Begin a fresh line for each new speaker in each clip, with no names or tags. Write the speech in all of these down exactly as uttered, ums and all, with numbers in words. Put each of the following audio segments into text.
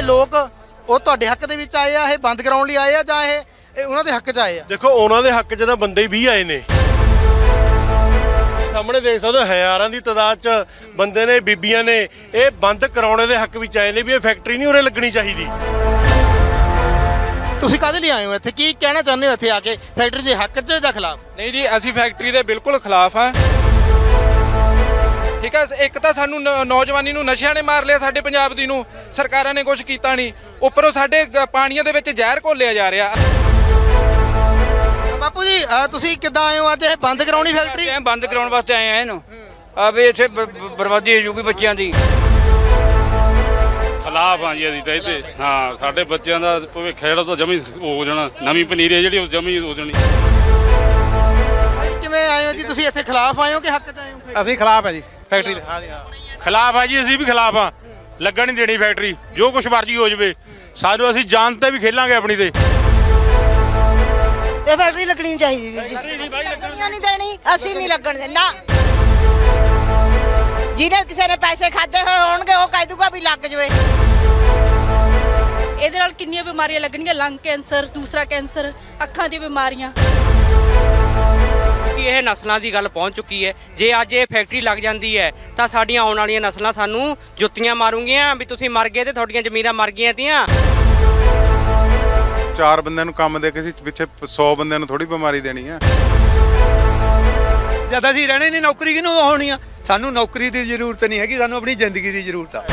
ਲੋਕ ਉਹ ਤੁਹਾਡੇ ਹੱਕ ਦੇ ਵਿੱਚ ਆਏ ਆ, ਇਹ ਬੰਦ ਕਰਾਉਣ ਲਈ ਆਏ ਆ ਜਾਂ ਇਹ ਇਹ ਉਹਨਾਂ ਦੇ ਹੱਕ 'ਚ ਆਏ ਆ?
ਦੇਖੋ ਉਹਨਾਂ ਦੇ ਹੱਕ 'ਚ ਤਾਂ ਬੰਦੇ ਵੀ ਆਏ ਨੇ, ਸਾਹਮਣੇ ਦੇਖ ਸਕਦੇ ਹੋ ਹਜ਼ਾਰਾਂ ਦੀ ਤਾਦਾਦ 'ਚ ਬੰਦੇ ਨੇ, ਬੀਬੀਆਂ ਨੇ। ਇਹ ਬੰਦ ਕਰਾਉਣੇ ਦੇ ਹੱਕ ਵਿੱਚ ਆਏ ਨੇ ਵੀ ਇਹ ਫੈਕਟਰੀ ਨਹੀਂ ਉਰੇ ਲੱਗਣੀ ਚਾਹੀਦੀ।
ਤੁਸੀਂ ਕਾਹਦੇ ਲਈ ਆਏ ਹੋ ਇੱਥੇ? ਕੀ ਕਹਿਣਾ ਚਾਹੁੰਦੇ ਹੋ ਇੱਥੇ ਆ ਕੇ? ਫੈਕਟਰੀ ਦੇ ਹੱਕ 'ਚ ਜਾਂ ਖਿਲਾਫ?
ਨਹੀਂ ਜੀ, ਅਸੀਂ ਫੈਕਟਰੀ ਦੇ ਬਿਲਕੁਲ ਖਿਲਾਫ ਹਾਂ। ਠੀਕ ਹੈ, ਇੱਕ ਤਾਂ ਸਾਨੂੰ ਨੌਜਵਾਨੀ ਨੂੰ ਨਸ਼ਿਆਂ ਨੇ ਮਾਰ ਲਿਆ, ਸਾਡੇ ਪੰਜਾਬ ਦੀ ਨੂੰ ਸਰਕਾਰਾਂ ਨੇ ਕੁਝ ਕੀਤਾ ਨਹੀਂ, ਉੱਪਰੋਂ ਸਾਡੇ ਪਾਣੀਆਂ ਦੇ ਵਿੱਚ ਜ਼ਹਿਰ ਘੋਲਿਆ ਜਾ ਰਿਹਾ।
ਬਾਪੂ ਜੀ ਤੁਸੀਂ ਕਿੱਦਾਂ ਆਏ ਹੋ ਅੱਜ? ਇਹ ਬੰਦ ਕਰਾਉਣੀ ਫੈਕਟਰੀ?
ਬੰਦ ਕਰਾਉਣ ਵਾਸਤੇ ਆਏ ਆ ਇਹਨੂੰ, ਆ ਵੀ ਇੱਥੇ ਬਰਬਾਦੀ ਹੋ ਜੂਗੀ ਬੱਚਿਆਂ ਦੀ।
ਖਿਲਾਫ ਆ ਜੀ ਅਸੀਂ ਤਾਂ ਇੱਥੇ। ਹਾਂ, ਸਾਡੇ ਬੱਚਿਆਂ ਦਾ ਭਵਿੱਖ ਜਿਹੜਾ ਤਾਂ ਜਮੀ ਹੋ ਜਾਣਾ, ਨਵੀਂ ਪਨੀਰੀ ਜਿਹੜੀ ਉਹ ਜਮੀ ਹੋ ਜਾਣੀ।
ਕਿਵੇਂ ਆਏ ਹੋ ਜੀ ਤੁਸੀਂ ਇੱਥੇ? ਖਿਲਾਫ ਆਏ ਹੋ ਕਿ ਹੱਕ 'ਚ ਆਏ ਹੋ?
ਅਸੀਂ ਖਿਲਾਫ ਹੈ ਜੀ ਫੈਕਟਰੀ ਦੇ। ਹਾਂ ਜੀ, ਹਾਂ
ਖਿਲਾਫ ਆ ਜੀ, ਅਸੀਂ ਵੀ ਖਿਲਾਫ ਆ। ਲੱਗਣ ਨਹੀਂ ਦੇਣੀ ਫੈਕਟਰੀ, ਜੋ ਕੁਛ ਮਰਜ਼ੀ ਹੋ ਜਾਵੇ। ਸਾਨੂੰ ਅਸੀਂ ਜਾਨ ਤੇ ਵੀ ਖੇਲਾਂਗੇ ਆਪਣੀ ਤੇ।
ਇਹ ਫੈਕਟਰੀ ਲੱਗਣੀ ਚਾਹੀਦੀ ਵੀਰ ਜੀ। ਨਹੀਂ ਦੇਣੀ, ਅਸੀਂ ਨਹੀਂ ਲੱਗਣ ਦੇਣਾ। ਜਿਹਨੇ ਕਿਸੇ ਨੇ ਪੈਸੇ ਖਾਦੇ ਹੋਏ ਹੋਣਗੇ ਉਹ ਕਹਿ ਦੂਗਾ ਵੀ ਲੱਗ ਜਵੇ।
ਇਹਦੇ ਨਾਲ ਕਿੰਨੀਆਂ ਬਿਮਾਰੀਆਂ ਲੱਗਣਗੀਆਂ, ਲੰਗ ਕੈਂਸਰ, ਦੂਸਰਾ ਕੈਂਸਰ, ਅੱਖਾਂ ਦੀਆਂ ਬਿਮਾਰੀਆਂ।
ਕਿ ਇਹ ਨਸਲਾਂ ਦੀ ਗੱਲ ਪਹੁੰਚ ਚੁੱਕੀ ਹੈ। ਜੇ ਅੱਜ ਇਹ ਫੈਕਟਰੀ ਲੱਗ ਜਾਂਦੀ ਹੈ ਤਾਂ ਸਾਡੀਆਂ ਆਉਣ ਵਾਲੀਆਂ ਨਸਲਾਂ ਸਾਨੂੰ ਜੁੱਤੀਆਂ ਮਾਰੂਗੀਆਂ ਵੀ ਤੁਸੀਂ ਮਰ ਗਏ ਤੇ ਤੁਹਾਡੀਆਂ ਜ਼ਮੀਰਾਂ ਮਰ ਗਈਆਂ ਤੀਆਂ।
ਚਾਰ ਬੰਦਿਆਂ ਨੂੰ ਕੰਮ ਦੇ ਕੇ ਸੀ, ਪਿੱਛੇ ਸੌ ਬੰਦਿਆਂ ਨੂੰ ਥੋੜੀ ਬਿਮਾਰੀ ਦੇਣੀ ਹੈ।
ਜਦ ਅਸੀਂ ਰਹਿਣੇ ਨਹੀਂ, ਨੌਕਰੀ ਕਿਹਨੂੰ ਹੋਣੀ ਆ? ਸਾਨੂੰ ਨੌਕਰੀ ਦੀ ਜ਼ਰੂਰਤ ਨਹੀਂ ਹੈਗੀ, ਸਾਨੂੰ ਆਪਣੀ ਜ਼ਿੰਦਗੀ ਦੀ ਜ਼ਰੂਰਤ ਆ।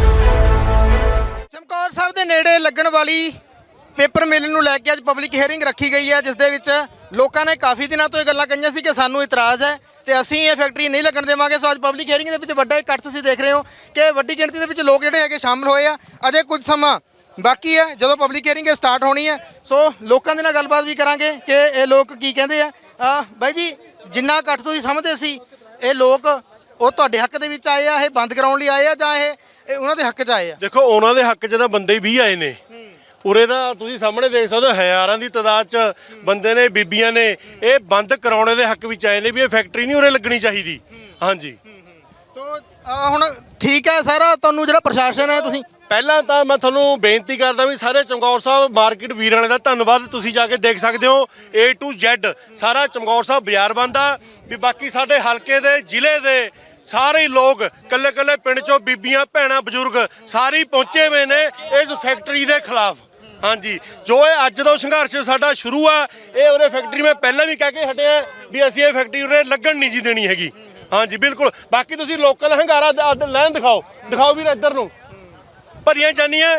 ਚਮਕੌਰ ਸਾਹਿਬ ਦੇ ਨੇੜੇ ਲੱਗਣ ਵਾਲੀ ਪੇਪਰ ਮਿਲ ਨੂੰ ਲੈ ਕੇ ਅੱਜ ਪਬਲਿਕ ਹੀਅਰਿੰਗ ਰੱਖੀ ਗਈ ਹੈ, ਜਿਸ ਦੇ ਵਿੱਚ ਲੋਕਾਂ ਨੇ ਕਾਫੀ ਦਿਨਾਂ ਤੋਂ ਇਹ ਗੱਲਾਂ ਕਹੀਆਂ ਸੀ ਕਿ ਸਾਨੂੰ ਇਤਰਾਜ਼ ਹੈ ਤੇ ਅਸੀਂ ਇਹ ਫੈਕਟਰੀ ਨਹੀਂ ਲੱਗਣ ਦੇਵਾਂਗੇ। ਸੋ ਅੱਜ ਪਬਲਿਕ ਹੀਅਰਿੰਗ ਦੇ ਵਿੱਚ ਵੱਡਾ ਇਕੱਠ ਤੁਸੀਂ ਦੇਖ ਰਹੇ ਹੋ ਕਿ ਵੱਡੀ ਗਿਣਤੀ ਦੇ ਵਿੱਚ ਲੋਕ ਜਿਹੜੇ ਹੈਗੇ ਸ਼ਾਮਲ ਹੋਏ ਆ। ਅਜੇ ਕੁਝ ਸਮਾਂ ਬਾਕੀ ਹੈ ਜਦੋਂ ਪਬਲਿਕ ਹੀਅਰਿੰਗ ਸਟਾਰਟ ਹੋਣੀ ਹੈ। ਸੋ ਲੋਕਾਂ ਦੇ ਨਾਲ ਗੱਲਬਾਤ ਵੀ ਕਰਾਂਗੇ ਕਿ ਇਹ ਲੋਕ ਕੀ ਕਹਿੰਦੇ ਆ। ਬਾਈ ਜੀ, ਜਿੰਨਾ ਇਕੱਠ ਤੁਸੀਂ ਸਮਝਦੇ ਸੀ, ਇਹ ਲੋਕ ਉਹ ਤੁਹਾਡੇ ਹੱਕ ਦੇ ਵਿੱਚ ਆਏ ਆ, ਇਹ ਬੰਦ ਕਰਾਉਣ ਲਈ ਆਏ ਆ ਜਾਂ ਇਹ ਇਹ ਉਹਨਾਂ ਦੇ ਹੱਕ 'ਚ ਆਏ ਆ?
ਦੇਖੋ ਉਹਨਾਂ ਦੇ ਹੱਕ 'ਚ ਤਾਂ ਬੰਦੇ ਵੀ ਆਏ ਨੇ, ਉਰੇ ਦਾ ਤੁਸੀਂ ਸਾਹਮਣੇ ਦੇਖ ਸਕਦੇ ਹੋ ਹਜ਼ਾਰਾਂ ਦੀ ਤਾਦਾਦ 'ਚ ਬੰਦੇ ਨੇ, ਬੀਬੀਆਂ ਨੇ। ਇਹ ਬੰਦ ਕਰਾਉਣੇ ਦੇ ਹੱਕ ਵਿੱਚ ਆਏ ਨੇ ਵੀ ਇਹ ਫੈਕਟਰੀ ਨਹੀਂ ਉਰੇ ਲੱਗਣੀ ਚਾਹੀਦੀ। ਹਾਂਜੀ,
ਸੋ ਹੁਣ ਠੀਕ ਹੈ ਸਾਰਾ, ਤੁਹਾਨੂੰ ਜਿਹੜਾ ਪ੍ਰਸ਼ਾਸਨ ਹੈ, ਤੁਸੀਂ
ਪਹਿਲਾਂ ਤਾਂ ਮੈਂ ਤੁਹਾਨੂੰ ਬੇਨਤੀ ਕਰਦਾ ਵੀ ਸਾਰੇ ਚਮਕੌਰ ਸਾਹਿਬ ਮਾਰਕੀਟ ਵੀਰਾਂ ਵਾਲੇ ਦਾ ਧੰਨਵਾਦ। ਤੁਸੀਂ ਜਾ ਕੇ ਦੇਖ ਸਕਦੇ ਹੋ ਏ ਟੂ ਜ਼ੈਡ ਸਾਰਾ ਚਮਕੌਰ ਸਾਹਿਬ ਬਾਜ਼ਾਰ ਬੰਦ ਆ। ਵੀ ਬਾਕੀ ਸਾਡੇ ਹਲਕੇ ਦੇ, ਜ਼ਿਲ੍ਹੇ ਦੇ ਸਾਰੇ ਲੋਕ, ਕੱਲੇ ਕੱਲੇ ਪਿੰਡ 'ਚੋਂ ਬੀਬੀਆਂ, ਭੈਣਾਂ, ਬਜ਼ੁਰਗ ਸਾਰੇ ਪਹੁੰਚੇ ਹੋਏ ਨੇ ਇਸ ਫੈਕਟਰੀ ਦੇ ਖਿਲਾਫ। ਹਾਂਜੀ, ਜੋ ਇਹ ਅੱਜ ਦਾ ਸੰਘਰਸ਼ ਸਾਡਾ ਸ਼ੁਰੂ ਆ, ਇਹ ਉਰੇ ਫੈਕਟਰੀ ਮੈਂ ਪਹਿਲਾਂ ਵੀ ਕਹਿ ਕੇ ਹਟਿਆ ਵੀ ਅਸੀਂ ਇਹ ਫੈਕਟਰੀ ਉਰੇ ਲੱਗਣ ਨਹੀਂ ਜੀ ਦੇਣੀ ਹੈਗੀ। ਹਾਂਜੀ ਬਿਲਕੁਲ। ਬਾਕੀ ਤੁਸੀਂ ਲੋਕਲ ਹੰਗਾਰਾ ਲੈਣ ਦਿਖਾਓ, ਦਿਖਾਓ ਵੀਰ ਇੱਧਰ ਨੂੰ ਭਰੀਆਂ ਜਾਨੀਆਂ।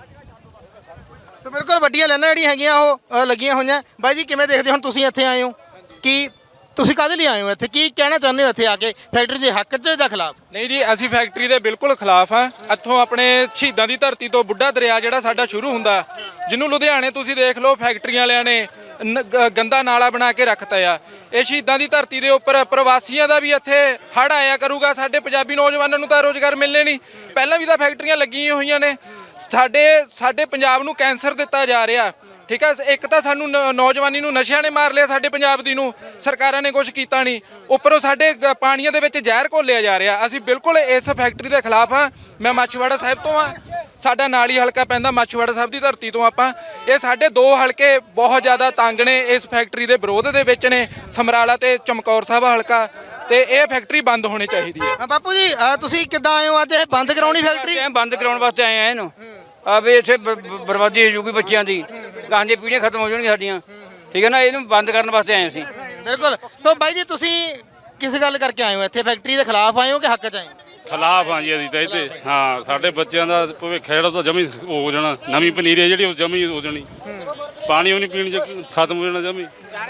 ਤੇ ਬਿਲਕੁਲ ਵੱਡੀਆਂ ਲਾਈਨਾਂ ਜਿਹੜੀਆਂ ਹੈਗੀਆਂ ਉਹ ਲੱਗੀਆਂ ਹੋਈਆਂ। ਬਾਈ ਜੀ ਕਿਵੇਂ ਦੇਖਦੇ ਹੁਣ ਤੁਸੀਂ ਇੱਥੇ ਆਏ ਹੋ? ਕੀ ਤੁਸੀਂ ਕਾਹਦੇ ਲਈ ਆਏ ਹੋ ਇੱਥੇ? ਕੀ ਕਹਿਣਾ ਚਾਹੁੰਦੇ ਹੋ ਇੱਥੇ ਆ ਕੇ? ਫੈਕਟਰੀ ਦੇ ਹੱਕ 'ਚ ਜਾਂ ਖਿਲਾਫ?
ਨਹੀਂ ਜੀ, ਅਸੀਂ ਫੈਕਟਰੀ ਦੇ ਬਿਲਕੁਲ ਖਿਲਾਫ ਹਾਂ। ਇੱਥੋਂ ਆਪਣੇ ਸ਼ਹੀਦਾਂ ਦੀ ਧਰਤੀ ਤੋਂ ਬੁੱਢਾ ਦਰਿਆ ਜਿਹੜਾ ਸਾਡਾ ਸ਼ੁਰੂ ਹੁੰਦਾ, ਜਿਹਨੂੰ ਲੁਧਿਆਣੇ ਤੁਸੀਂ ਦੇਖ ਲਓ ਫੈਕਟਰੀਆਂ ਵਾਲਿਆਂ ਨੇ ਗੰਦਾ ਨਾਲਾ ਬਣਾ ਕੇ ਰੱਖਤਾ ਆ। ਇਹ ਸ਼ਹੀਦਾਂ ਦੀ ਧਰਤੀ ਦੇ ਉੱਪਰ ਪ੍ਰਵਾਸੀਆਂ ਦਾ ਵੀ ਇੱਥੇ ਹੜ੍ਹ ਆਇਆ ਕਰੂਗਾ। ਸਾਡੇ ਪੰਜਾਬੀ ਨੌਜਵਾਨਾਂ ਨੂੰ ਤਾਂ ਰੋਜ਼ਗਾਰ ਮਿਲਣੇ ਨਹੀਂ। ਪਹਿਲਾਂ ਵੀ ਤਾਂ ਫੈਕਟਰੀਆਂ ਲੱਗੀਆਂ ਹੋਈਆਂ ਨੇ। ਸਾਡੇ ਸਾਡੇ ਪੰਜਾਬ ਨੂੰ ਕੈਂਸਰ ਦਿੱਤਾ ਜਾ ਰਿਹਾ। ਠੀਕ ਹੈ, ਇੱਕ ਤਾਂ ਸਾਨੂੰ ਨੌਜਵਾਨੀ ਨੂੰ ਨਸ਼ਿਆਂ ਨੇ ਮਾਰ ਲਿਆ, ਸਾਡੇ ਪੰਜਾਬ ਦੀ ਨੂੰ ਸਰਕਾਰਾਂ ਨੇ ਕੁਝ ਕੀਤਾ ਨਹੀਂ, ਉੱਪਰੋਂ ਸਾਡੇ ਪਾਣੀਆਂ ਦੇ ਵਿੱਚ ਜ਼ਹਿਰ ਘੋਲਿਆ ਜਾ ਰਿਹਾ। ਅਸੀਂ ਬਿਲਕੁਲ ਇਸ ਫੈਕਟਰੀ ਦੇ ਖਿਲਾਫ ਹਾਂ। ਮੈਂ ਮਾਛੀਵਾੜਾ ਸਾਹਿਬ ਤੋਂ ਹਾਂ, ਸਾਡਾ ਨਾਲ ਹੀ ਹਲਕਾ ਪੈਂਦਾ, ਮਾਛੀਵਾੜਾ ਸਾਹਿਬ ਦੀ ਧਰਤੀ ਤੋਂ ਆਪਾਂ। ਇਹ ਸਾਡੇ ਦੋ ਹਲਕੇ ਬਹੁਤ ਜ਼ਿਆਦਾ ਤੰਗ ਨੇ, ਇਸ ਫੈਕਟਰੀ ਦੇ ਵਿਰੋਧ ਦੇ ਵਿੱਚ ਨੇ, ਸਮਰਾਲਾ ਤੇ ਚਮਕੌਰ ਸਾਹਿਬ ਹਲਕਾ। ਤੇ ਇਹ ਫੈਕਟਰੀ ਬੰਦ ਹੋਣੀ ਚਾਹੀਦੀ ਹੈ।
ਬਾਪੂ ਜੀ ਤੁਸੀਂ ਕਿੱਦਾਂ ਆਏ ਹੋ ਅੱਜ? ਇਹ ਬੰਦ ਕਰਾਉਣੀ ਫੈਕਟਰੀ?
ਬੰਦ ਕਰਾਉਣ ਵਾਸਤੇ ਆਏ ਆ ਇਹਨੂੰ, ਆ ਵੀ ਇੱਥੇ ਬਰਬਾਦੀ ਹੋ ਜੂਗੀ ਬੱਚਿਆਂ ਦੀ, ਗਾਂ ਦੀਆਂ ਪੀੜ੍ਹੀਆਂ ਖਤਮ ਹੋ ਜਾਣਗੀਆਂ ਸਾਡੀਆਂ। ਠੀਕ ਹੈ ਨਾ, ਇਹਨੂੰ ਬੰਦ ਕਰਨ ਵਾਸਤੇ ਆਏ ਅਸੀਂ।
ਬਿਲਕੁਲ। ਸੋ ਬਾਈ ਜੀ ਤੁਸੀਂ ਕਿਸ ਗੱਲ ਕਰਕੇ ਆਏ ਹੋ ਇੱਥੇ? ਫੈਕਟਰੀ ਦੇ ਖਿਲਾਫ ਆਏ ਹੋ ਕਿ ਹੱਕ 'ਚ ਆਏ ਹੋ?
ਖਿਲਾਫ ਆ ਜੀ ਅਸੀਂ ਤਾਂ ਇੱਥੇ। ਹਾਂ, ਸਾਡੇ ਬੱਚਿਆਂ ਦਾ ਭਵਿੱਖ ਜਿਹੜਾ ਤਾਂ ਜਮੀ ਹੋ ਜਾਣਾ, ਨਵੀਂ ਪਨੀਰੀ ਜਿਹੜੀ ਉਹ ਜਮੀ ਹੋ ਜਾਣੀ, ਪਾਣੀ ਉਹ ਨਹੀਂ ਪੀਣ 'ਚ ਖਤਮ ਹੋ ਜਾਣਾ ਜਮੀ।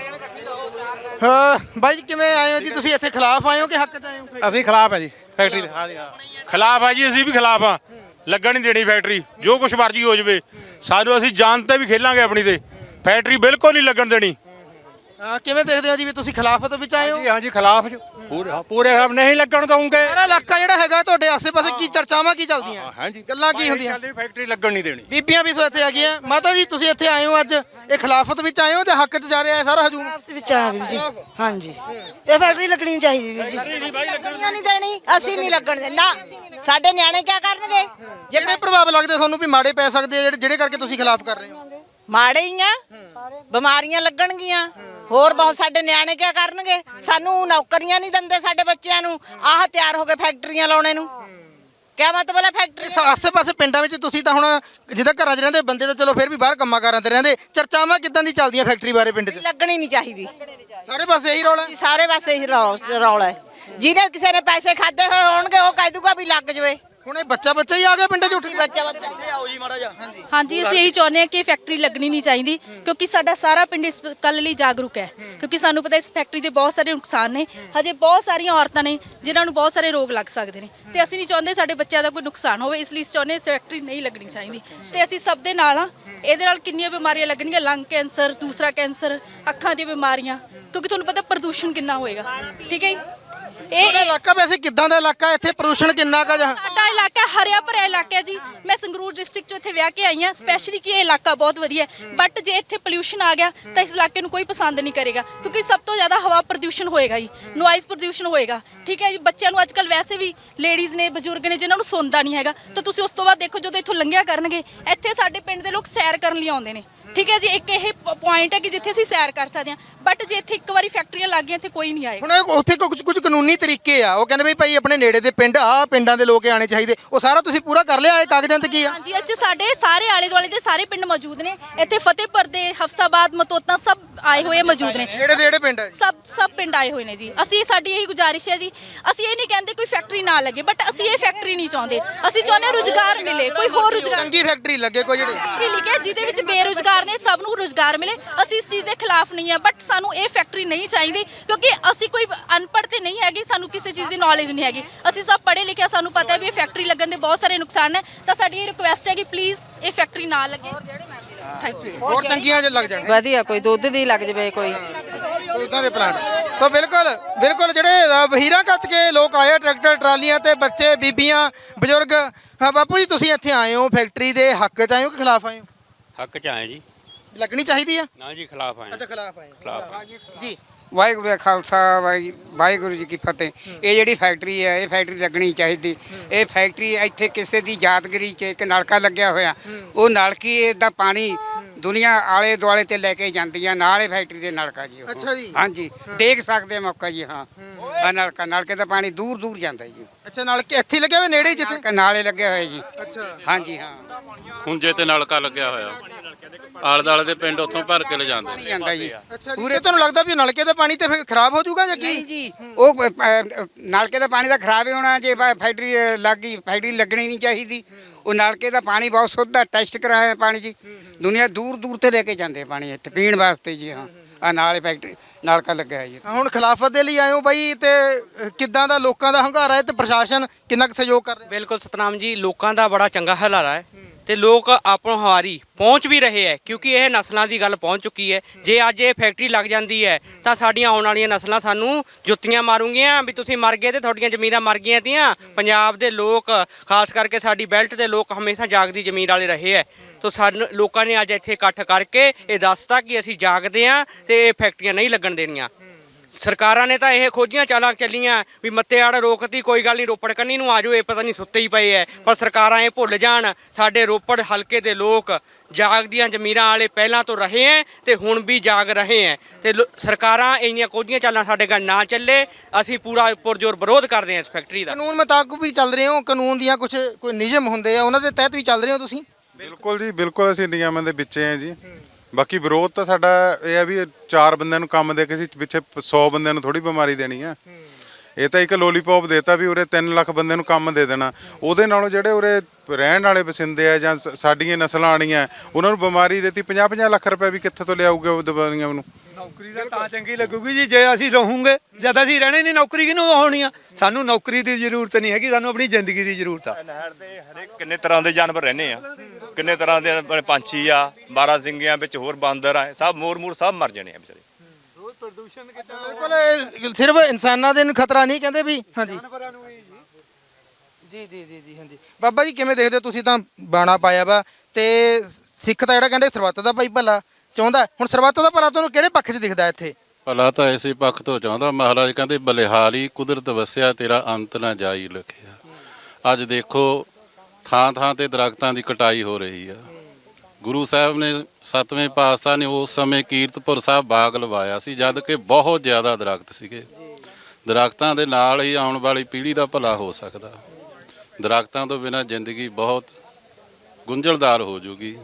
ਹਾਂ ਬਾਈ ਜੀ ਕਿਵੇਂ ਆਏ ਹੋ ਜੀ ਤੁਸੀਂ ਇੱਥੇ? ਖਿਲਾਫ ਆਏ ਹੋ ਕਿ ਹੱਕ 'ਚ ਆਏ ਹੋ?
ਅਸੀਂ ਖਿਲਾਫ ਹੈ ਜੀ ਫੈਕਟਰੀ ਦੇ। ਹਾਂ ਜੀ, ਹਾਂ
ਖਿਲਾਫ ਆ ਜੀ, ਅਸੀਂ ਵੀ ਖਿਲਾਫ ਆ। ਲੱਗਣ ਨਹੀਂ ਦੇਣੀ ਫੈਕਟਰੀ, ਜੋ ਕੁਛ ਮਰਜ਼ੀ ਹੋ ਜਾਵੇ। ਸਾਨੂੰ ਅਸੀਂ ਜਾਨ ਤੇ ਵੀ ਖੇਲਾਂਗੇ ਆਪਣੀ ਤੇ। ਫੈਕਟਰੀ ਬਿਲਕੁਲ ਨਹੀਂ ਲੱਗਣ ਦੇਣੀ।
ਅਹ ਕਿਵੇਂ ਦੇਖਦੇ ਹੋ ਜੀ ਵੀ ਤੁਸੀਂ ਖਿਲਾਫਤ ਵਿੱਚ ਆਏ ਹੋ?
ਹਾਂਜੀ ਖਿਲਾਫ ਪੂਰੇ ਪੂਰੇ ਖਿਲਾਫ ਨਹੀਂ ਲੱਗਣ ਦਵਾਂਗੇ।
ਸਾਰਾ ਇਲਾਕਾ ਜਿਹੜਾ ਹੈਗਾ ਤੁਹਾਡੇ ਆਸੇ-ਪਾਸੇ ਕੀ ਚਰਚਾਵਾਂ ਕੀ ਚੱਲਦੀਆਂ?
ਹਾਂਜੀ
ਗੱਲਾਂ ਕੀ ਹੁੰਦੀਆਂ?
ਫੈਕਟਰੀ ਲੱਗਣ ਨਹੀਂ ਦੇਣੀ।
ਬੀਬੀਆਂ ਵੀ ਸੋ ਇੱਥੇ ਆ ਗਈਆਂ। ਮਾਤਾ ਜੀ ਤੁਸੀਂ ਇੱਥੇ ਆਏ ਹੋ ਅੱਜ, ਇਹ ਖਿਲਾਫਤ ਵਿੱਚ ਆਏ ਹੋ ਜਾਂ ਹੱਕ 'ਚ ਜਾ ਰਿਹਾ ਹੈ ਸਾਰਾ ਹਜੂਮ?
ਵਿੱਚ ਆ ਵੀਰ ਜੀ ਹਾਂਜੀ ਇਹ ਫੈਕਟਰੀ ਲੱਗਣੀ ਨਹੀਂ ਚਾਹੀਦੀ ਵੀਰ ਜੀ। ਲੱਗਣੀਆਂ ਨਹੀਂ ਦੇਣੀ, ਅਸੀਂ ਨਹੀਂ ਲੱਗਣ ਦੇ ਨਾ। ਸਾਡੇ ਨਿਆਣੇ ਕੀ ਕਰਨਗੇ?
ਜਿਹੜੇ ਪ੍ਰਭਾਵ ਲੱਗਦੇ ਤੁਹਾਨੂੰ ਵੀ ਮਾੜੇ ਪੈ ਸਕਦੇ ਆ ਜਿਹੜੇ ਜਿਹੜੇ ਕਰਕੇ ਤੁਸੀਂ ਖਿਲਾਫ ਕਰ ਰਹੇ ਹੋ?
ਮਾੜੇ ਹੀ ਆ, ਬਿਮਾਰੀਆਂ ਲੱਗਣਗੀਆਂ, ਹੋਰ ਬਹੁਤ। ਸਾਡੇ ਨਿਆਣੇ ਕੀ ਕਰਨਗੇ? ਸਾਨੂੰ ਨੌਕਰੀਆਂ ਨਹੀਂ ਦਿੰਦੇ ਸਾਡੇ ਬੱਚਿਆਂ ਨੂੰ, ਆਹ ਤਿਆਰ ਹੋ ਕੇ ਫੈਕਟਰੀਆਂ ਲਾਉਣੇ ਨੂੰ। ਕਿਆ ਮਤਲਬ ਹੈ ਫੈਕਟਰੀ?
ਇਸ ਆਸੇ-ਪਾਸੇ ਪਿੰਡਾਂ ਵਿੱਚ ਤੁਸੀਂ ਤਾਂ ਹੁਣ ਜਿੱਦਾਂ ਘਰਾਂ 'ਚ ਰਹਿੰਦੇ ਬੰਦੇ ਤਾਂ ਚਲੋ ਫਿਰ ਵੀ ਬਾਹਰ ਕੰਮਾਂ ਕਾਰਾਂ ਤੇ ਰਹਿੰਦੇ, ਚਰਚਾਵਾਂ ਕਿੱਦਾਂ ਦੀ ਚੱਲਦੀਆਂ ਫੈਕਟਰੀ ਬਾਰੇ ਪਿੰਡ 'ਚ?
ਲੱਗਣੀ ਨਹੀਂ ਚਾਹੀਦੀ।
ਸਾਰੇ ਪਾਸੇ ਇਹੀ ਰੌਲਾ ਹੈ।
ਸਾਰੇ ਪਾਸੇ ਇਹੀ ਰੌ- ਰੌਲਾ ਹੈ। ਜਿਹਨੇ ਕਿਸੇ ਨੇ ਪੈਸੇ ਖਾਦੇ ਹੋਏ ਹੋਣਗੇ ਉਹ ਕਹਿ ਦੂਗਾ ਵੀ ਲੱਗ ਜਵੇ।
ਹੁਣ ਇਹ ਬੱਚਾ ਬੱਚਾ ਹੀ ਆ ਗਿਆ ਪਿੰਡ 'ਚ ਉੱਠ ਕੇ।
ਬੱਚਾ ਬੱਚਾ
ਹਾਂਜੀ ਅਸੀਂ ਇਹੀ ਚਾਹੁੰਦੇ ਹਾਂ ਕਿ ਇਹ ਫੈਕਟਰੀ ਲੱਗਣੀ ਨਹੀਂ ਚਾਹੀਦੀ, ਕਿਉਂਕਿ ਸਾਡਾ ਸਾਰਾ ਪਿੰਡ ਇਸ ਕੱਲ ਲਈ ਜਾਗਰੂਕ ਹੈ। ਕਿਉਂਕਿ ਸਾਨੂੰ ਪਤਾ ਇਸ ਫੈਕਟਰੀ ਦੇ ਬਹੁਤ ਸਾਰੇ ਨੁਕਸਾਨ ਨੇ, ਹਜੇ ਬਹੁਤ ਸਾਰੀਆਂ ਔਰਤਾਂ ਨੇ ਜਿਨ੍ਹਾਂ ਨੂੰ ਬਹੁਤ ਸਾਰੇ ਰੋਗ ਲੱਗ ਸਕਦੇ ਨੇ, ਤੇ ਅਸੀਂ ਨਹੀਂ ਚਾਹੁੰਦੇ ਸਾਡੇ ਬੱਚਿਆਂ ਦਾ ਕੋਈ ਨੁਕਸਾਨ ਹੋਵੇ। ਇਸ ਲਈ ਚਾਹੁੰਦੇ ਇਸ ਫੈਕਟਰੀ ਨਹੀਂ ਲੱਗਣੀ ਚਾਹੀਦੀ, ਤੇ ਅਸੀਂ ਸਭ ਦੇ ਨਾਲ ਆ। ਇਹਦੇ ਨਾਲ ਕਿੰਨੀਆਂ ਬਿਮਾਰੀਆਂ ਲੱਗਣਗੀਆਂ, ਲੰਗ ਕੈਂਸਰ, ਦੂਸਰਾ ਕੈਂਸਰ, ਅੱਖਾਂ ਦੀਆਂ ਬਿਮਾਰੀਆਂ, ਕਿਉਂਕਿ ਤੁਹਾਨੂੰ ਪਤਾ ਪ੍ਰਦੂਸ਼ਣ ਕਿੰਨਾ ਹੋਏਗਾ। ਠੀਕ ਹੈ ਜੀ।
ਇਹ
ਇਹ
ਇਲਾਕਾ ਵੈਸੇ ਕਿੱਦਾਂ ਦਾ ਇਲਾਕਾ? ਇੱਥੇ ਪ੍ਰਦੂਸ਼ਣ ਕਿੰਨਾ ਕਾ ਜਾਂ?
ਸਾਡਾ ਇਲਾਕਾ ਹਰਿਆ ਭਰਿਆ ਇਲਾਕਾ ਹੈ ਜੀ। ਮੈਂ ਸੰਗਰੂਰ ਡਿਸਟ੍ਰਿਕਟ ਚੋਂ ਇੱਥੇ ਵਿਆਹ ਕੇ ਆਈ ਹਾਂ ਸਪੈਸ਼ਲੀ, ਕਿ ਇਹ ਇਲਾਕਾ ਬਹੁਤ ਵਧੀਆ ਹੈ। ਬਟ ਜੇ ਇੱਥੇ ਪੋਲਿਊਸ਼ਨ ਆ ਗਿਆ ਤਾਂ ਇਸ ਇਲਾਕੇ ਨੂੰ ਕੋਈ ਪਸੰਦ ਨਹੀਂ ਕਰੇਗਾ, ਕਿਉਂਕਿ ਸਭ ਤੋਂ ਜ਼ਿਆਦਾ ਹਵਾ ਪ੍ਰਦੂਸ਼ਣ ਹੋਏਗਾ ਜੀ, ਨੋਇਜ਼ ਪ੍ਰਦੂਸ਼ਣ ਹੋਏਗਾ। ਠੀਕ ਹੈ ਜੀ। ਬੱਚਿਆਂ ਨੂੰ ਅੱਜ ਕੱਲ ਵੈਸੇ ਵੀ ਲੇਡੀਜ਼ ਨੇ, ਬਜ਼ੁਰਗ ਨੇ ਜਿਨ੍ਹਾਂ ਨੂੰ ਸੌਂਦਾ ਨਹੀਂ ਹੈਗਾ, ਤਾਂ ਤੁਸੀਂ ਉਸ ਤੋਂ ਬਾਅਦ ਦੇਖੋ ਜਦੋਂ ਇੱਥੋਂ ਲੰਘਿਆ ਕਰਨਗੇ, ਇੱਥੇ ਸਾਡੇ ਪਿੰਡ ਦੇ ਲੋਕ ਸੈਰ ਕਰਨ ਲਈ ਆਉਂਦੇ ਨੇ। ਠੀਕ ਹੈ ਜੀ। ਇੱਕ ਇਹ ਪੁਆਇੰਟ ਹੈ ਕਿ ਜਿੱਥੇ ਅਸੀਂ ਸੈਰ ਕਰ ਸਕਦੇ ਹਾਂ, ਬਟ ਜੇ ਇੱਥੇ ਇੱਕ ਵਾਰੀ ਫੈਕਟਰੀਆਂ ਲੱਗ ਗਈਆਂ ਇੱਥੇ ਕੋਈ ਨਹੀਂ ਆਏਗਾ।
ਹੁਣ ਇਹ ਉੱਥੇ ਕੁਝ ਕੁਝ ਕਾਨੂੰਨੀ ਤਰੀਕੇ ਆ, ਉਹ ਕਹਿੰਦੇ ਵੀ ਭਾਈ ਆਪਣੇ ਨੇੜੇ ਦੇ ਪਿੰਡ ਆ ਪਿੰਡਾਂ ਦੇ ਲੋਕ ਆਣੇ ਚਾਹੀਦੇ, ਉਹ ਸਾਰਾ ਤੁਸੀਂ ਪੂਰਾ ਕਰ ਲਿਆ? ਇਹ ਕਾਗਜ਼ਾਂ ਤੇ ਕੀ ਆ?
ਹਾਂਜੀ ਅੱਜ ਸਾਡੇ ਸਾਰੇ ਆਲੇ ਦੁਆਲੇ ਦੇ ਸਾਰੇ ਪਿੰਡ ਮੌਜੂਦ ਨੇ। ਇੱਥੇ ਫਤਿਹਪੁਰ ਦੇ, ਹਫਸਾਬਾਦ, ਮਤੋਤਾ ਸਭ ਆਏ ਹੋਏ ਮੌਜੂਦ ਨੇ।
ਜਿਹੜੇ ਦੇ ਜਿਹੜੇ ਪਿੰਡ ਆ?
ਸਭ ਸਭ ਪਿੰਡ ਆਏ ਹੋਏ ਨੇ ਜੀ। ਅਸੀਂ ਸਾਡੀ ਇਹੀ ਗੁਜ਼ਾਰਿਸ਼ ਹੈ ਜੀ, ਅਸੀਂ ਇਹ ਨਹੀਂ ਕਹਿੰਦੇ ਕੋਈ ਫੈਕਟਰੀ ਨਾ ਲੱਗੇ, ਬਟ ਅਸੀਂ ਇਹ ਫੈਕਟਰੀ ਨਹੀਂ ਚਾਹੁੰਦੇ। ਅਸੀਂ ਚਾਹੁੰਦੇ ਹਾਂ ਰੁਜ਼ਗਾਰ ਮਿਲੇ, ਕੋਈ ਹੋਰ ਰੁਜ਼ਗਾਰ
ਚੰਗੀ ਫੈਕਟਰੀ ਲੱਗੇ ਕੋਈ ਜਿਹੜੀ।
ਫੈਕਟਰੀ ਲਿਖਿਆ ਜਿਹਦੇ ਵਿੱਚ ਬੇਰੁਜ਼ਗਾਰ ਨੇ ਸਭ ਨੂੰ ਰੁਜ਼ਗਾਰ ਮਿਲੇ। ਅਸੀਂ ਇਸ ਚੀਜ਼ ਦੇ ਖਿਲਾਫ ਨਹੀਂ ਆ, ਬਟ ਸਾਨੂੰ ਇਹ ਫੈਕਟਰੀ ਨਹੀਂ ਚਾਹੀਦੀ, ਕਿਉਂਕਿ ਅਸੀਂ ਕੋਈ ਅਨਪੜ੍ਹ ਤੇ ਨਹੀਂ ਹੈਗੇ, ਸਾਨੂੰ ਕਿਸੇ ਚੀਜ਼ ਦੀ ਨੌਲੇਜ ਨਹੀਂ ਹੈਗੀ। ਅਸੀਂ ਸਭ ਪੜ੍ਹੇ ਲਿਖੇ, ਸਾਨੂੰ ਪਤਾ ਹੈ ਵੀ ਇਹ ਫੈਕਟਰੀ ਲੱਗਣ ਦੇ ਬਹੁਤ ਸਾਰੇ ਨੁਕਸਾਨ ਨੇ। ਤਾਂ ਸਾਡੀ ਇਹ ਰਿਕੁਐਸਟ ਹੈ ਕਿ ਪਲੀਜ਼ ਇਹ ਫੈਕਟਰੀ ਨਾ ਲੱਗੇ। Thank you.
ਹੋਰ ਚੰਗੀਆਂ ਜੇ ਲੱਗ ਜਾਣ
ਵਧੀਆ, ਕੋਈ ਦੁੱਧ ਦੀ ਲੱਗ ਜਵੇ, ਕੋਈ
ਉਦਾਂ ਦੇ ਪਲਾਂਟ। ਤਾਂ ਬਿਲਕੁਲ ਬਿਲਕੁਲ ਜਿਹੜੇ ਅ, ਵਹੀਰਾਂ ਕੱਤ ਕੇ ਲੋਕ ਆਏ, ਟਰੈਕਟਰ ਟਰਾਲੀਆਂ ਤੇ ਬੱਚੇ, ਬੀਬੀਆਂ, ਬਜ਼ੁਰਗ। ਹਾਂ ਬਾਪੂ ਜੀ ਤੁਸੀਂ ਇੱਥੇ ਆਏ ਹੋ, ਫੈਕਟਰੀ ਦੇ ਹੱਕ 'ਚ ਆਏ ਹੋ ਕਿ ਖਿਲਾਫ ਆਏ ਹੋ?
ਹੱਕ ਚ ਆਏ ਜੀ।
ਲੱਗਣੀ ਚਾਹੀਦੀ ਆ?
ਨਾ ਜੀ ਖਿਲਾਫ ਆਏ।
ਅੱਛਾ ਖਿਲਾਫ ਆਏ
ਖਿਲਾਫ।
ਜੀ।
ਵਾਹਿਗੁਰੂ ਦਾ ਖਾਲਸਾ ਵਾਹਿ- ਵਾਹਿਗੁਰੂ ਜੀ ਕੀ ਫਤਿਹ। ਇਹ ਜਿਹੜੀ ਫੈਕਟਰੀ ਹੈ ਇਹ ਫੈਕਟਰੀ ਲੱਗਣੀ ਚਾਹੀਦੀ। ਇਹ ਫੈਕਟਰੀ ਇੱਥੇ ਕਿਸੇ ਦੀ ਯਾਦਗਾਰੀ 'ਚ ਇੱਕ ਨਲਕਾ ਲੱਗਿਆ ਹੋਇਆ, ਉਹ ਨਲਕੀ ਦਾ ਪਾਣੀ ਦੁਨੀਆ ਆਲੇ ਦੁਆਲੇ ਤੇ ਲੈ ਕੇ ਜਾਂਦੀ ਆ, ਨਾਲ ਇਹ ਫੈਕਟਰੀ ਦੇ ਨਲਕਾ ਜੀ ਉਹ।
ਅੱਛਾ ਜੀ।
ਹਾਂਜੀ ਦੇਖ ਸਕਦੇ ਆ ਮੌਕਾ ਜੀ। ਹਾਂ ਆ ਨਲਕਾ, ਨਲਕੇ ਦਾ ਪਾਣੀ ਦੂਰ ਦੂਰ ਜਾਂਦਾ ਜੀ।
ਅੱਛਾ ਨਾਲ ਕਿ ਇੱਥੇ ਲੱਗਿਆ ਹੋਇਆ ਨੇੜੇ ਹੀ ਜਿੱਥੇ?
ਨਲਕਾ ਨਾਲੇ ਲੱਗੇ ਹੋਏ ਜੀ।
ਅੱਛਾ।
ਹਾਂਜੀ ਹਾਂ
ਹੁੰਜੇ ਤੇ ਨਲਕਾ ਲੱਗਿਆ ਹੋਇਆ, ਆਲੇ ਦੁਆਲੇ ਦੇ ਪਿੰਡ ਉੱਥੋਂ ਭਰ ਕੇ ਲੈ ਜਾਂਦੇ।
ਪਾਣੀ ਜਾਂਦਾ ਜੀ।
ਅੱਛਾ ਜੀ। ਤੇ ਤੁਹਾਨੂੰ ਲੱਗਦਾ ਵੀ ਨਲਕੇ ਦਾ ਪਾਣੀ ਤੇ ਫਿਰ ਖਰਾਬ ਹੋ ਜਾਊਗਾ ਜਾਂ ਕੀ?
ਨਹੀਂ ਜੀ, ਉਹ ਅ, ਅ, ਨਲਕੇ ਦਾ ਪਾਣੀ ਤਾਂ ਖਰਾਬ ਹੀ ਹੋਣਾ ਜੇ ਫੈ- ਫੈਕਟਰੀ ਅ, ਲੱਗ ਗਈ। ਫੈਕਟਰੀ ਲੱਗਣੀ ਨਹੀਂ ਚਾਹੀਦੀ। ਉਹ ਨਲਕੇ ਦਾ ਪਾਣੀ ਬਹੁਤ ਸ਼ੁੱਧ ਆ, ਟੈਸਟ ਕਰਾਇਆ ਪਾਣੀ ਜੀ। ਦੁਨੀਆ ਦੂਰ ਦੂਰ ਤੇ ਲੈ ਕੇ ਜਾਂਦੇ ਆ ਪਾਣੀ ਇੱਥੇ ਪੀਣ ਵਾਸਤੇ ਜੀ। ਹਾਂ ਆ ਨਾਲ ਫੈਕਟਰੀ ਨਲਕਾ ਲੱਗਿਆ ਹੈ ਜੀ।
ਹੁਣ ਖਿਲਾਫਤ ਦੇ ਲਈ ਆਏ ਹੋ ਬਾਈ, ਤੇ ਅ, ਕਿੱਦਾਂ ਦਾ ਲੋਕਾਂ ਦਾ ਹੰਗਾਰਾ ਹੈ ਤੇ ਪ੍ਰਸ਼ਾਸਨ ਕਿੰਨਾ ਕੁ ਸਹਿਯੋਗ ਕਰ ਰਿਹਾ?
ਬਿਲਕੁਲ ਸਤਨਾਮ ਜੀ, ਲੋਕਾਂ ਦਾ ਬੜਾ ਚੰਗਾ ਹਲਾਰਾ ਹੈ ਤੇ ਲੋਕ ਆਪਣੋਂ ਹਵਾਰੀ ਪਹੁੰਚ ਵੀ ਰਹੇ ਹੈ, ਕਿਉਂਕਿ ਇਹ ਨਸਲਾਂ ਦੀ ਗੱਲ ਪਹੁੰਚ ਚੁੱਕੀ ਹੈ। ਜੇ ਅੱਜ ਇਹ ਫੈਕਟਰੀ ਲੱਗ ਜਾਂਦੀ ਹੈ ਤਾਂ ਸਾਡੀਆਂ ਆਉਣ ਵਾਲੀਆਂ ਨਸਲਾਂ ਸਾਨੂੰ ਜੁੱਤੀਆਂ ਮਾਰੂਗੀਆਂ ਵੀ ਤੁਸੀਂ ਮਰ ਗਏ ਤੇ ਤੁਹਾਡੀਆਂ ਜ਼ਮੀਨਾਂ ਮਰ ਗਈਆਂ ਤੀਆਂ। ਪੰਜਾਬ ਦੇ ਲੋਕ, ਖਾਸ ਕਰਕੇ ਸਾਡੀ ਬੈਲਟ ਦੇ ਲੋਕ ਹਮੇਸ਼ਾ ਜਾਗਦੀ ਜ਼ਮੀਨ ਵਾਲੇ ਰਹੇ ਹੈ। ਤਾਂ ਸਾਨੂੰ ਲੋਕਾਂ ਨੇ ਅੱਜ ਇੱਥੇ ਇਕੱਠ ਕਰਕੇ ਇਹ ਦੱਸਤਾ ਕਿ ਅਸੀਂ ਜਾਗਦੇ ਹਾਂ ਤੇ ਇਹ ਫੈਕਟਰੀਆਂ ਨਹੀਂ ਲੱਗਣ ਦੇਣੀਆਂ। ਸਰਕਾਰਾਂ ਨੇ ਤਾਂ ਇਹ ਖੋਜੀਆਂ ਚਾਲਾਂ ਚੱਲੀਆਂ ਵੀ ਮੱਤੇਆੜ ਰੋਕਤੀ, ਕੋਈ ਗੱਲ ਨਹੀਂ ਰੋਪੜ ਕੰਨੀ ਨੂੰ ਆ ਜਾਓ, ਇਹ ਪਤਾ ਨਹੀਂ ਸੁੱਤੇ ਹੀ ਪਏ ਐ। ਪਰ ਸਰਕਾਰਾਂ ਇਹ ਭੁੱਲ ਜਾਣ ਸਾਡੇ ਰੋਪੜ ਹਲਕੇ ਦੇ ਲੋਕ ਜਾਗਦੀਆਂ ਜ਼ਮੀਰਾਂ ਵਾਲੇ ਪਹਿਲਾਂ ਤੋਂ ਰਹੇ ਐ ਤੇ ਹੁਣ ਵੀ ਜਾਗ ਰਹੇ ਐ। ਤੇ ਸਰਕਾਰਾਂ ਇੰਨੀਆਂ ਖੋਜੀਆਂ ਚਾਲਾਂ ਸਾਡੇ ਗੱਲ ਨਾ ਚੱਲੇ, ਅਸੀਂ ਪੂਰਾ ਪੁਰਜੋਰ ਵਿਰੋਧ ਕਰਦੇ ਹਾਂ ਇਸ ਫੈਕਟਰੀ ਦਾ।
ਕਾਨੂੰਨ ਮੁਤਾਬਕ ਵੀ ਚੱਲ ਰਹੇ ਹੋ? ਕਾਨੂੰਨ ਦੀਆਂ ਕੁਝ ਕੋਈ ਨਿਯਮ ਹੁੰਦੇ ਆ, ਉਹਨਾਂ ਦੇ ਤਹਿਤ ਵੀ ਚੱਲ ਰਹੇ ਹੋ ਤੁਸੀਂ?
ਬਿਲਕੁਲ ਜੀ, ਬਿਲਕੁਲ ਅਸੀਂ ਨਿਯਮਾਂ ਦੇ ਵਿੱਚ ਆ ਜੀ। ਬਾਕੀ ਵਿਰੋਧ ਤਾਂ ਸਾਡਾ ਇਹ ਆ ਵੀ ਚਾਰ ਬੰਦਿਆਂ ਨੂੰ ਕੰਮ ਦੇ ਕੇ ਅਸੀਂ ਪਿੱਛੇ ਸੌ ਬੰਦਿਆਂ ਨੂੰ ਥੋੜੀ ਬਿਮਾਰੀ ਦੇਣੀ ਆ। ਇਹ ਤਾਂ ਇੱਕ ਲੋਲੀਪੌਪ ਦੇਤਾ ਵੀ ਉਰੇ ਤਿੰਨ ਲੱਖ ਬੰਦਿਆਂ ਨੂੰ ਕੰਮ ਦੇ ਦੇਣਾ। ਉਹਦੇ ਨਾਲੋਂ ਜਿਹੜੇ ਉਰੇ ਰਹਿਣ ਵਾਲੇ ਵਸਿੰਦੇ ਆ ਜਾਂ ਸਾਡੀਆਂ ਨਸਲਾਂ ਆਣੀਆਂ ਉਹਨਾਂ ਨੂੰ ਬਿਮਾਰੀ ਦੇਤੀ, ਪੰਜਾਹ ਪੰਜਾਹ ਲੱਖ ਰੁਪਏ ਵੀ ਕਿੱਥੇ ਤੋਂ ਲਿਆਊਗੇ ਉਹ ਦਵਾਈਆਂ ਨੂੰ?
ਨੌਕਰੀ ਦਾ ਤਾਂ ਚੰਗੀ ਲੱਗੂਗੀ ਜੀ ਜੇ ਅਸੀਂ ਰਹੂਗੇ। ਜਦ ਅਸੀਂ ਰਹਿਣੇ ਨਹੀਂ ਨੌਕਰੀ ਕਿਹਨੂੰ ਹੋਣੀ ਆ? ਸਾਨੂੰ ਨੌਕਰੀ ਦੀ ਜ਼ਰੂਰਤ ਨਹੀਂ ਹੈਗੀ, ਸਾਨੂੰ ਆਪਣੀ ਜ਼ਿੰਦਗੀ ਦੀ ਜ਼ਰੂਰਤ ਆ।
ਨਹਿਰ ਦੇ ਹਰੇਕ ਕਿੰਨੇ ਤਰ੍ਹਾਂ ਦੇ ਜਾਨਵਰ ਰਹਿੰਦੇ ਆ, ਕਿੰਨੇ ਤਰ੍ਹਾਂ ਦੇ ਪੰਛੀ ਆ, ਬਾਰਾਂ ਸਿੰਘਿਆਂ ਵਿੱਚ ਹੋਰ ਬਾਂਦਰ ਆ, ਸਭ ਮੋਰ ਮੂਰ ਸਭ ਮਰ ਜਾਣੇ ਆ ਵਿਚਾਰੇ।
ਬਿਲਕੁਲ ਇਹ ਸਿਰਫ ਇਨਸਾਨਾਂ ਦੇ ਨੂੰ ਖਤਰਾ ਨਹੀਂ ਕਹਿੰਦੇ ਵੀ ਹਾਂਜੀ ਜੀ ਜੀ ਜੀ ਜੀ ਹਾਂਜੀ ਬਾਬਾ ਜੀ ਕਿਵੇਂ ਦੇਖਦੇ ਹੋ ਤੁਸੀਂ ਤਾਂ ਬਾਣਾ ਪਾਇਆ ਵਾ ਤੇ ਸਿੱਖ ਤਾਂ ਜਿਹੜਾ ਕਹਿੰਦੇ ਸਰਬੱਤ ਦਾ ਭਾਈ ਭਲਾ ਚਾਹੁੰਦਾ ਹੈ। ਹੁਣ ਸਰਬੱਤ ਦਾ ਭਲਾ ਤੁਹਾਨੂੰ ਕਿਹੜੇ ਪੱਖ 'ਚ ਦਿਖਦਾ ਇੱਥੇ?
ਭਲਾ ਤਾਂ ਇਸੇ ਪੱਖ ਤੋਂ ਚਾਹੁੰਦਾ ਮਹਾਰਾਜ ਕਹਿੰਦੇ ਬਲਿਹਾਰੀ ਕੁਦਰਤ ਵਸਿਆ ਤੇਰਾ ਅੰਤ ਨਾ ਜਾਈ ਲਖਿਆ। ਅੱਜ ਦੇਖੋ ਥਾਂ ਥਾਂ ਤੇ ਦਰਖਤਾਂ ਦੀ ਕਟਾਈ ਹੋ ਰਹੀ ਆ। ਗੁਰੂ ਸਾਹਿਬ ਨੇ ਸੱਤਵੇਂ ਪਾਤਸ਼ਾਹ ਨੇ ਉਸ ਸਮੇਂ ਕੀਰਤਪੁਰ ਸਾਹਿਬ ਬਾਗ ਲਵਾਇਆ ਸੀ ਜਦ ਕਿ ਬਹੁਤ ਜ਼ਿਆਦਾ ਦਰਖਤ ਸੀਗੇ। ਦਰਖਤਾਂ ਦੇ ਨਾਲ ਹੀ ਆਉਣ ਵਾਲੀ ਪੀੜ੍ਹੀ ਦਾ ਭਲਾ ਹੋ ਸਕਦਾ। ਦਰਖਤਾਂ ਤੋਂ ਬਿਨਾਂ ਜ਼ਿੰਦਗੀ ਬਹੁਤ ਗੁੰਝਲਦਾਰ ਹੋ ਜੂਗੀ।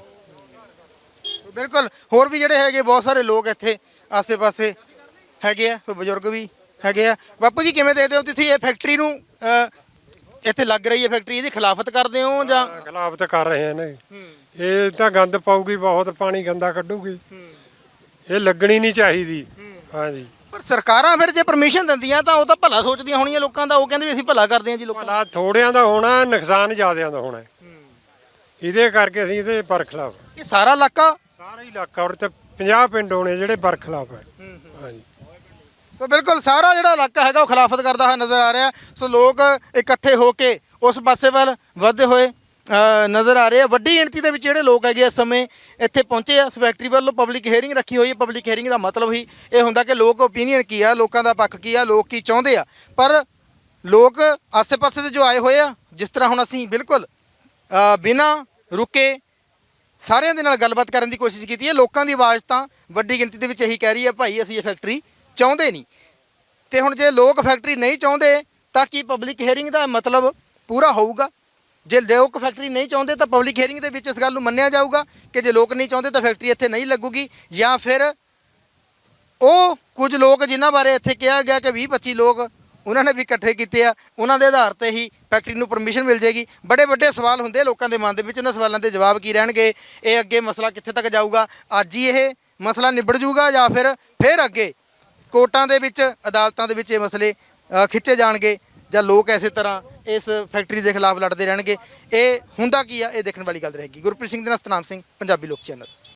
ਬਿਲਕੁਲ ਹੋਰ ਵੀ ਜਿਹੜੇ ਹੈਗੇ ਬਹੁਤ ਸਾਰੇ ਲੋਕ ਇੱਥੇ ਆਸੇ-ਪਾਸੇ ਹੈਗੇ ਆ ਕੋਈ ਬਜ਼ੁਰਗ ਵੀ ਹੈਗੇ ਆ। ਬਾਪੂ ਜੀ ਕਿਵੇਂ ਦੇਖਦੇ ਹੋ ਤੁਸੀਂ ਇਹ ਫੈਕਟਰੀ ਨੂੰ ਅ, ਇੱਥੇ ਲੱਗ ਰਹੀ ਹੈ ਫੈਕਟਰੀ ਇਹਦੀ ਖਿਲਾਫਤ ਕਰਦੇ ਹੋ ਜਾਂ
ਖਿਲਾਫਤ ਕਰ ਰਹੇ ਨੇ ਇਹ ਤਾਂ ਗੰਦ ਪਾਊਗੀ ਬਹੁਤ ਪਾਣੀ ਗੰਦਾ ਕੱਢੂਗੀ ਇਹ ਲੱਗਣੀ ਨਹੀਂ ਚਾਹੀਦੀ ਹਾਂਜੀ
ਪਰ ਸਰਕਾਰਾਂ ਫਿਰ ਜੇ ਪਰਮਿਸ਼ਨ ਦਿੰਦੀਆਂ ਤਾਂ ਉਹ ਤਾਂ ਭਲਾ ਸੋਚਦੀਆਂ ਹੋਣੀਆਂ ਲੋਕਾਂ ਦਾ ਉਹ ਕਹਿੰਦੇ ਵੀ ਅਸੀਂ ਭਲਾ ਕਰਦੇ ਹਾਂ ਜੀ ਲੋਕਾਂ ਦਾ।
ਭਲਾ ਥੋੜਿਆਂ ਦਾ ਹੋਣਾ ਨੁਕਸਾਨ ਜ਼ਿਆਦਿਆਂ ਦਾ ਹੋਣਾ ਇਹਦੇ ਕਰਕੇ ਅਸੀਂ ਇਹਦੇ ਬਰਖਲਾਫ
ਇਹ ਸਾਰਾ ਇਲਾਕਾ
ਸਾਰਾ ਇਲਾਕਾ ਔਰ ਤੇ ਪੰਜਾਹ ਪਿੰਡ ਹੋਣੇ ਜਿਹੜੇ ਬਰਖਲਾਫ ਹੈ ਹਾਂਜੀ
ਸੋ ਬਿਲਕੁਲ ਸਾਰਾ ਜਿਹੜਾ ਇਲਾਕਾ ਹੈਗਾ ਉਹ ਖਿਲਾਫਤ ਕਰਦਾ ਹੋਇਆ ਨਜ਼ਰ ਆ ਰਿਹਾ। ਸੋ ਲੋਕ ਇਕੱਠੇ ਹੋ ਕੇ ਉਸ ਪਾਸੇ ਵੱਲ ਵਧਦੇ ਹੋਏ ਅ, ਨਜ਼ਰ ਆ ਰਹੇ ਆ। ਵੱਡੀ ਗਿਣਤੀ ਦੇ ਵਿੱਚ ਜਿਹੜੇ ਲੋਕ ਹੈਗੇ ਇਸ ਸਮੇਂ ਇੱਥੇ ਪਹੁੰਚੇ ਆ। ਇਸ ਫੈਕਟਰੀ ਵੱਲੋਂ ਪਬਲਿਕ ਹੀਅਰਿੰਗ ਰੱਖੀ ਹੋਈ ਹੈ। ਪਬਲਿਕ ਹੀਅਰਿੰਗ ਦਾ ਮਤਲਬ ਹੀ ਇਹ ਹੁੰਦਾ ਕਿ ਲੋਕ ਓਪੀਨੀਅਨ ਕੀ ਆ, ਲੋਕਾਂ ਦਾ ਪੱਖ ਕੀ ਆ, ਲੋਕ ਕੀ ਚਾਹੁੰਦੇ ਆ। ਪਰ ਲੋਕ ਆਸੇ-ਪਾਸੇ ਦੇ ਜੋ ਆਏ ਹੋਏ ਆ ਜਿਸ ਤਰ੍ਹਾਂ ਹੁਣ ਅਸੀਂ ਬਿਲਕੁਲ ਅ, ਬਿਨਾਂ ਰੁਕੇ ਸਾਰਿਆਂ ਦੇ ਨਾਲ ਗੱਲਬਾਤ ਕਰਨ ਦੀ ਕੋਸ਼ਿਸ਼ ਕੀਤੀ ਹੈ। ਲੋਕਾਂ ਦੀ ਆਵਾਜ਼ ਤਾਂ ਵੱਡੀ ਗਿਣਤੀ ਦੇ ਵਿੱਚ ਇਹੀ ਕਹਿ ਰਹੀ ਹੈ ਭਾਈ ਅਸੀਂ ਇਹ ਫੈਕਟਰੀ ਚਾਹੁੰਦੇ ਨਹੀਂ। ਤੇ ਹੁਣ ਜੇ ਲੋਕ ਫੈਕਟਰੀ ਨਹੀਂ ਚਾਹੁੰਦੇ ਤਾਂ ਕੀ ਪਬਲਿਕ ਹੀਅਰਿੰਗ ਦਾ ਮਤਲਬ ਪੂਰਾ ਹੋਊਗਾ? ਜੇ ਲੋਕ ਫੈਕਟਰੀ ਨਹੀਂ ਚਾਹੁੰਦੇ ਤਾਂ ਪਬਲਿਕ ਹੀਅਰਿੰਗ ਦੇ ਵਿੱਚ ਇਸ ਗੱਲ ਨੂੰ ਮੰਨਿਆ ਜਾਊਗਾ ਕਿ ਜੇ ਲੋਕ ਨਹੀਂ ਚਾਹੁੰਦੇ ਤਾਂ ਫੈਕਟਰੀ ਇੱਥੇ ਨਹੀਂ ਲੱਗੂਗੀ, ਜਾਂ ਫਿਰ ਉਹ ਕੁਝ ਲੋਕ ਜਿਨ੍ਹਾਂ ਬਾਰੇ ਇੱਥੇ ਕਿਹਾ ਗਿਆ ਕਿ ਵੀਹ ਪੱਚੀ ਲੋਕ ਉਹਨਾਂ ਨੇ ਵੀ ਇਕੱਠੇ ਕੀਤੇ ਆ ਉਹਨਾਂ ਦੇ ਆਧਾਰ ਤੇ ਹੀ ਫੈਕਟਰੀ ਨੂੰ ਪਰਮਿਸ਼ਨ ਮਿਲ ਜੇਗੀ। ਬੜੇ ਵੱਡੇ ਸਵਾਲ ਹੁੰਦੇ ਲੋਕਾਂ ਦੇ ਮਨ ਦੇ ਵਿੱਚ, ਉਹਨਾਂ ਸਵਾਲਾਂ ਦੇ ਜਵਾਬ ਕੀ ਰਹਿਣਗੇ? ਇਹ ਅੱਗੇ ਮਸਲਾ ਕਿੱਥੇ ਤੱਕ ਜਾਊਗਾ? ਅੱਜ ਹੀ ਇਹ ਮਸਲਾ ਨਿਬੜ ਜੂਗਾ ਜਾਂ ਫਿਰ ਫਿਰ ਅੱਗੇ ਕੋਰਟਾਂ ਦੇ ਵਿੱਚ ਅਦਾਲਤਾਂ ਦੇ ਵਿੱਚ ਇਹ ਮਸਲੇ ਅ, ਖਿੱਚੇ ਜਾਣਗੇ ਜਾਂ ਲੋਕ ਇਸੇ ਤਰ੍ਹਾਂ ਇਸ ਫੈਕਟਰੀ ਦੇ ਖਿਲਾਫ ਲੜਦੇ ਰਹਿਣਗੇ? ਇਹ ਹੁੰਦਾ ਕੀ ਆ ਇਹ ਦੇਖਣ ਵਾਲੀ ਗੱਲ ਰਹੇਗੀ। ਗੁਰਪ੍ਰੀਤ ਸਿੰਘ ਦੇ ਨਾਲ ਸਤਨਾਮ ਸਿੰਘ, ਪੰਜਾਬੀ ਲੋਕ ਚੈਨਲ।